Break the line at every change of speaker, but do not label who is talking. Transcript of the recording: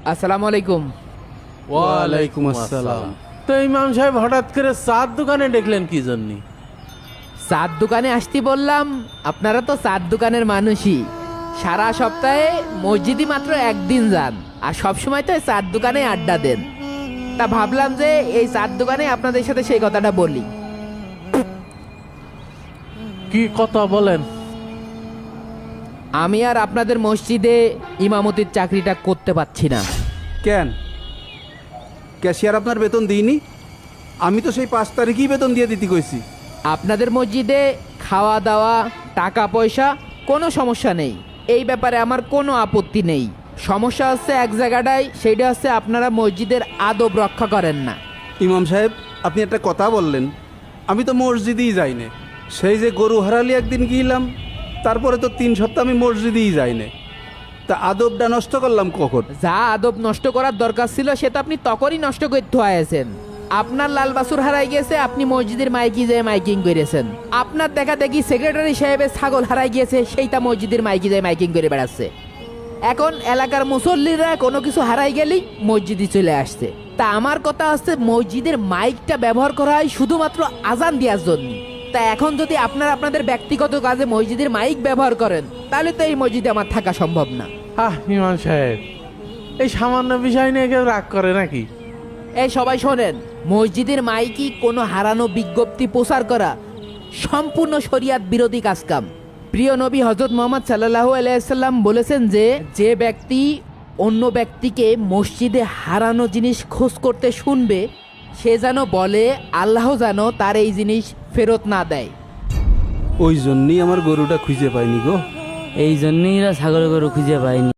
আসসালামু আলাইকুম।
ওয়ালাইকুম আসসালাম। তো ইমাম সাহেব হঠাৎ করে চার দোকানে দেখলেন কি জন্য?
চার দোকানে আসতে বললাম, আপনারা তো চার দোকানের মানুষই। সারা সপ্তাহে মসজিদে মাত্র একদিন যান, আর সবসময় তো এই চার দোকানে আড্ডা দেন। তা ভাবলাম যে এই চার দোকানে আপনাদের সাথে সেই কথাটা বলি।
কি কথা বলেন?
আমি আর আপনাদের মসজিদে ইমামতির চাকরিটা করতে পারছি না।
কেন? ক্যাশিয়ার আপনার বেতন দিইনি? আমি তো সেই 5 তারিখেই বেতন দিয়ে দিতে কইছি।
আপনাদের মসজিদে খাওয়া দাওয়া, টাকা পয়সা কোনো সমস্যা নেই, এই ব্যাপারে আমার কোনো আপত্তি নেই। সমস্যা হচ্ছে এক জায়গাটায়, সেইটা হচ্ছে আপনারা মসজিদের আদব রক্ষা করেন না।
ইমাম সাহেব, আপনি একটা কথা বললেন, আমি তো মসজিদেই যাই না। সেই যে গরু হারালি একদিন গিয়েলাম, তারপরে তো 3 সপ্তাহ আমি মসজিদেই যাই না। তা আদবটা নষ্ট করলাম কখন?
যা আদব নষ্ট করার দরকার ছিল সে তো আপনি তখনই নষ্ট করতে হয়েছেন। আপনার লাল বাছুর হারাই গেছে, আপনি মসজিদের মাইকি যেয়ে মাইকিং করেছেন। আপনার দেখা দেখি সেক্রেটারি সাহেবের ছাগল হারাই গিয়েছে, সেইটা মসজিদের মাইকি যেয়ে মাইকিং করে বেড়াচ্ছে। এখন এলাকার মুসল্লিরা কোনো কিছু হারাই গেলেই মসজিদে চলে আসছে। তা আমার কথা হচ্ছে, মসজিদের মাইকটা ব্যবহার করা হয় শুধুমাত্র আজান দেওয়ার জন্য। তা এখন যদি আপনারা আপনাদের ব্যক্তিগত কাজে মসজিদের মাইক ব্যবহার করেন, তাহলে তো এই মসজিদে আমার থাকা সম্ভব না।
ইমাম সাহেব, এই সামান্য বিষয় নিয়ে কেউ রাগ করে নাকি?
এই সবাই শোনেন, মসজিদের মাইকি কোনো হারানো বিজ্ঞপ্তি প্রচার করা সম্পূর্ণ শরিয়াত বিরোধী কাজকাম। প্রিয় নবী হযরত মুহাম্মদ সাল্লাল্লাহু আলাইহি সাল্লাম বলেছেন যে, যে ব্যক্তি অন্য ব্যক্তিকে মসজিদে হারানো জিনিস খোঁজ করতে শুনবে, সে যেন বলে আল্লাহ যেন তার এই জিনিস ফেরত না দেয়।
ওই জন্যই আমার গরুটা খুঁজে পাইনি গো।
এই জন্যই এরা ছাগল গরু খুঁজে পায়নি।